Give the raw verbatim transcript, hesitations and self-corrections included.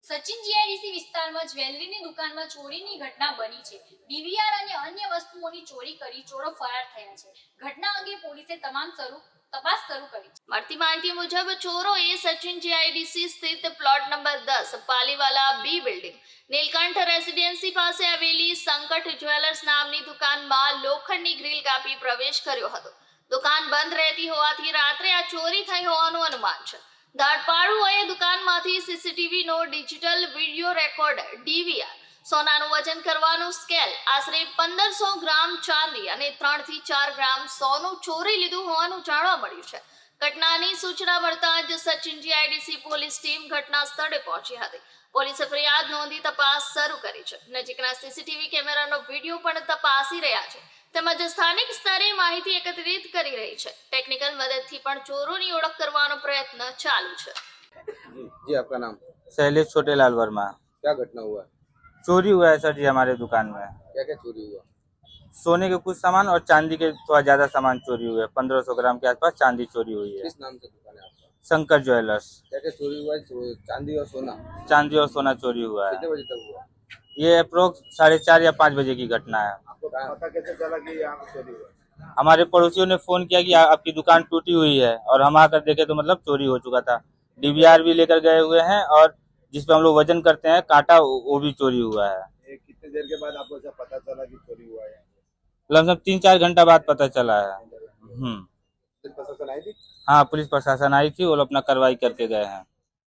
Sachin GIDC વિસ્તારમાં જ્વેલરીની દુકાનમાં ચોરીની ઘટના બની છે। ડીવીઆર અને અન્ય વસ્તુઓની ચોરી કરી ચોરો ફરાર થયા છે। ઘટના અંગે પોલીસે તમામ શરૂ તપાસ શરૂ કરી છે। મળતી માહિતી મુજબ ચોરોએ સચિન જીઆઈડીસી સ્થિત પ્લોટ નંબર દસ Paliwala B building Neelkanth residency પાસે આવેલી સંકટ જ્વેલર્સ નામની દુકાનમાં લોખંડની ગ્રીલ કાપી પ્રવેશ કર્યો હતો। દુકાન બંધ રહેતી હોવાથી રાત્રે આ ચોરી થઈ હોવાનું અનુમાન છે। ધાડપાડુઓએ દુકાનમાંથી સીસીટીવી નો ડિજિટલ વિડિયો રેકોર્ડર ડીવીઆર, સોનાનું વજન કરવાનું સ્કેલ, આશરે પંદરસો ગ્રામ ચાંદી અને ત્રણ થી ચાર ગ્રામ સોનું ચોરી લીધું હોવાનું જાણવા મળ્યું છે। ઘટનાની સૂચના મળતા જ સચિન જીઆઈડીસી પોલીસ ટીમ ઘટના સ્થળે પહોંચી હતી। પોલીસે ફરિયાદ નોંધી તપાસ શરૂ કરી છે। નજીકના સીસીટીવી કેમેરાનો વિડિયો પણ તપાસી રહ્યા છે તેમજ સ્થાનિક સ્તરે માહિતી એકત્રિત કરી રહી છે। ટેકનિકલ મદદથી પણ ચોરોની ઓળખ કરવાનો પ્રયત્ન ચાલુ છે। जी आपका नाम? शैलेश छोटेलाल वर्मा। क्या घटना हुआ? चोरी हुआ है सर जी हमारे दुकान में। क्या क्या चोरी हुआ? सोने के कुछ सामान और चांदी के थोड़ा ज्यादा सामान चोरी हुए हैं। पंद्रह सौ ग्राम के आसपास चांदी चोरी हुई है। किस नाम से दुकान है आपका? शंकर ज्वेलर्स। क्या क्या चोरी हुआ है? चो- चांदी और सोना चांदी और सोना चोरी हुआ है। कितने बजे तक हुआ? ये अप्रोक्स साढ़े चार या पाँच बजे की घटना है। आपको पता कैसे चला कि यहाँ पे चोरी हुआ? हमारे पड़ोसियों ने फोन किया कि आ- आपकी दुकान टूटी हुई है और हम आकर देखे तो मतलब चोरी हो चुका था। डीवीआर भी लेकर गए हुए हैं और जिस पे हम लोग वजन करते हैं कांटा वो वो भी चोरी हुआ है। ये कितने देर के बाद आपको ऐसा पता चला कि चोरी हुआ है? लगभग तीन चार घंटा बाद पता चला है। हम्म पुलिस प्रशासन आई थी? हाँ, पुलिस प्रशासन आई थी, वो लोग अपना कार्रवाई करके गए हैं।